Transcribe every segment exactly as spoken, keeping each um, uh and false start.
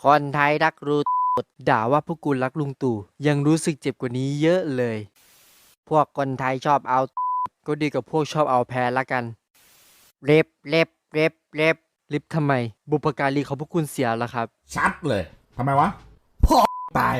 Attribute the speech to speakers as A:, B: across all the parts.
A: คนไทยรักรูด่าว่าพวกกูรักลุงตู่ยังรู้สึกเจ็บกว่านี้เยอะเลย พวกคนไทยชอบเอาก็ดีกับพวกชอบเอาแพ้ละกันเล็บเล็บเล็บเล็บลิฟทำไม บุพการีของพวกคุณเสียแล้วครับ
B: ชัดเลยทำไมวะพ่อตาย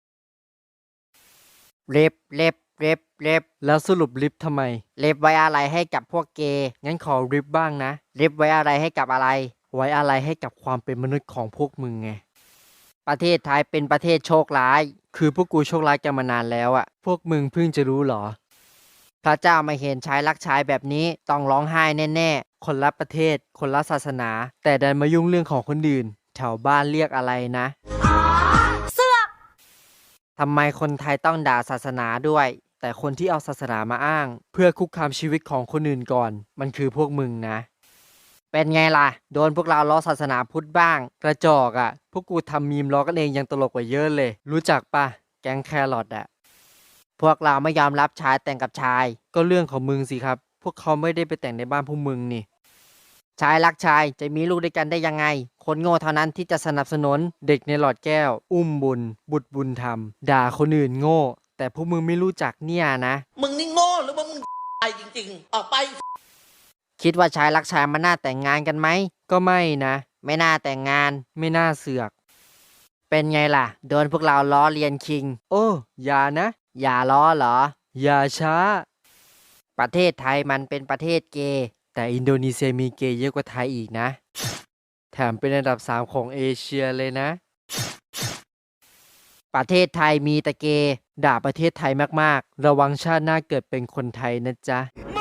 A: เล็บเล็บเล็บเล็บแล้วสรุปลิฟทำไมเล็บไว้อะไรให้กับพวกเกย์งั้นขอลิฟบ้างนะเล็บไว้อะไรให้กับอะไร ไว้อะไรให้กับความเป็นมนุษย์ของพวกมึงไงประเทศไทยเป็นประเทศโชคร้ายคือพวกกูโชคร้ายกันมานานแล้วอะพวกมึงเพิ่งจะรู้หรอพระเจ้ามาเห็นชายรักชายแบบนี้ต้องร้องไห้แน่ๆคนละประเทศคนละศาสนาแต่ดันมายุ่งเรื่องของคนอื่นแถวบ้านเรียกอะไรนะเสือกทำไมคนไทยต้องด่าศาสนาด้วยแต่คนที่เอาศาสนามาอ้างเพื่อคุกคามชีวิตของคนอื่นก่อนมันคือพวกมึงนะเป็นไงล่ะโดนพวกเราล้อศาสนาพุทธบ้างกระจอกอ่ะพวกกูทำมีมล้อกันเองยังตลกกว่าเยอะเลยรู้จักปะแก๊งแครอทอ่ะพวกเราไม่ยอมรับชายแต่งกับชายก็เรื่องของมึงสิครับพวกเขาไม่ได้ไปแต่งในบ้านพวกมึงนี่ชายรักชายจะมีลูกด้วยกันได้ยังไงคนโง่เท่านั้นที่จะสนับสนุนเด็กในหลอดแก้วอุ้มบุญบุตรบุญธรรมด่าคนอื่นโง่แต่พวกมึงไม่รู้จักเนี่ยนะ
C: มึงนี่โง่หรือว่ามึงไปจริงๆออกไป
A: คิดว่าชายรักชายมันน่าแต่งงานกันไหมก็ไม่นะไม่น่าแต่งงานไม่น่าเสือกเป็นไงล่ะโดนพวกเราล้อเลียนคิงโอ้อย่านะอย่าล้อเหรออย่าช้าประเทศไทยมันเป็นประเทศเกย์แต่อินโดนีเซียมีเกย์เยอะกว่าไทยอีกนะแถมเป็นอันดับสามของเอเชียเลยนะประเทศไทยมีแต่เกย์ด่าประเทศไทยมากๆระวังชาติหน้าเกิดเป็นคนไทยนะจ๊ะ